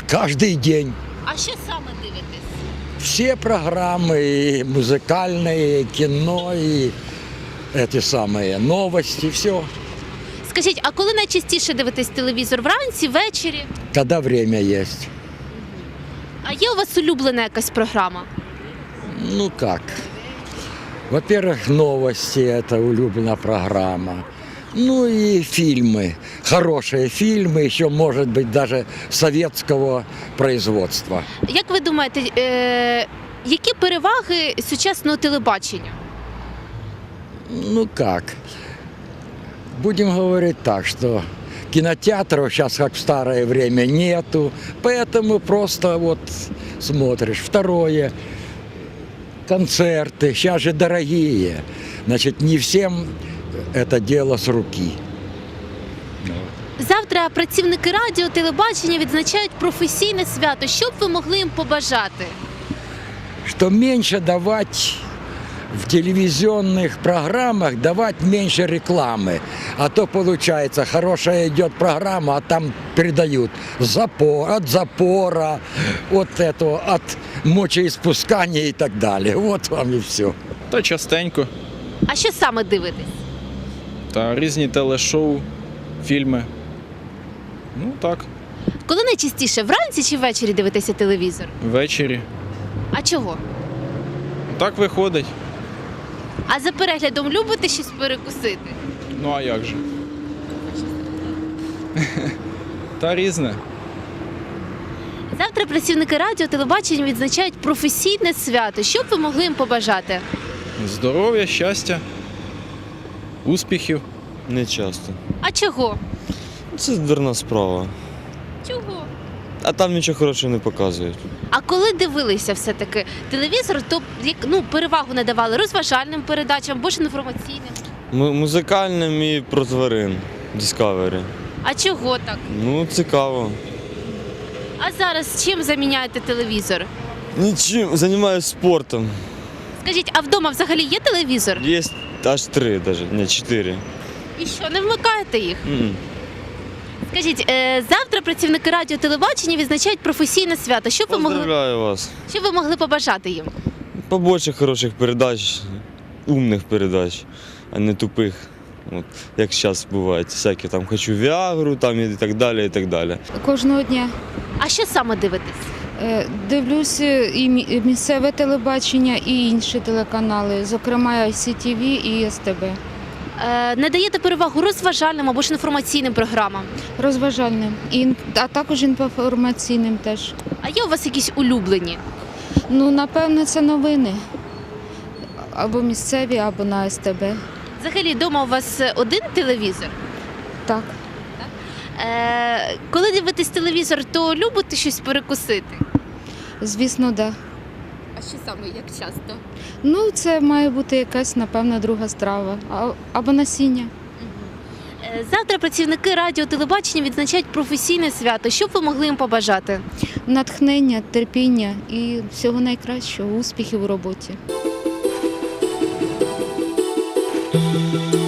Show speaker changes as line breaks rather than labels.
Каждый день.
А що саме дивитесь?
Все программы, и музыкальные, и кино, и эти самые новости, все.
Скажіть, а коли найчастіше дивитесь телевізор? Вранці, ввечері?
Когда время есть.
А є у вас улюблена якась програма?
Ну как? Во-первых, новости – это улюбленная программа. Ну и фильмы. Хорошие фильмы, еще, может быть, даже советского производства.
Як ви думаєте, які переваги сучасного телебачення?
Ну как? Будем говорить так, что кинотеатров сейчас, как в старое время, нету. Поэтому просто вот смотришь. Второе – концерты. Сейчас же дорогие. Значит, не всем это дело с руки.
Завтра працівники радіо, телебачення відзначають професійне свято. Що б ви могли їм побажати?
Что меньше давать в телевизионных программах, давать меньше рекламы. А то получается, хорошая идет программа, а там передают от запора, от этого, от мочеиспускания и так далее. Вот вам и все.
Та частенько.
А що саме дивитесь?
Та різні телешоу, фільми. Ну так,
Коли найчастіше, вранці чи ввечері дивитеся телевізор?
ввечері.
А чого?
Так виходить.
А за переглядом любите щось перекусити?
Ну а як же? Та різне.
Завтра працівники радіо, телебачення відзначають професійне свято. Що б ви могли їм побажати?
Здоров'я, щастя, успіхів.
Не часто.
А чого?
Це дурна справа.
Чого?
А там нічого хорошого не показують.
А коли дивилися все-таки телевізор, то перевагу надавали розважальним передачам або ж інформаційним.
Музикальним і про тварин. Discovery.
А чого так?
Ну, цікаво.
А зараз чим заміняєте телевізор?
Нічим, займаюся спортом.
Скажіть, а вдома взагалі є телевізор?
Є аж 3 навіть, не 4.
І що, не вмикаєте їх? Скажіть, завтра працівники радіо, телебачення відзначають професійне свято. Що
Поздравляю вас.
ви могли побажати їм?
Побольше хороших передач, умних передач, а не тупих. От, як зараз бувають, всякі там хочу Віагру там, і так далі, і так далі.
Кожного дня
А що саме дивитесь?
дивлюся і місцеве телебачення, і інші телеканали, зокрема ICTV і СТБ.
Надаєте перевагу розважальним або ж інформаційним програмам?
Розважальним, а також інформаційним теж.
А є у вас якісь улюблені?
Ну, напевно, це новини. Або місцеві, або на СТБ.
Взагалі, вдома у вас один телевізор?
Так.
Коли дивитесь телевізор, то любите щось перекусити?
Звісно, так. Да.
А що саме, як часто?
Ну, це має бути якась, напевно, друга страва. Або насіння.
Завтра працівники радіо, телебачення відзначають професійне свято. Що б ви могли їм побажати?
Натхнення, терпіння і всього найкращого, успіхів у роботі.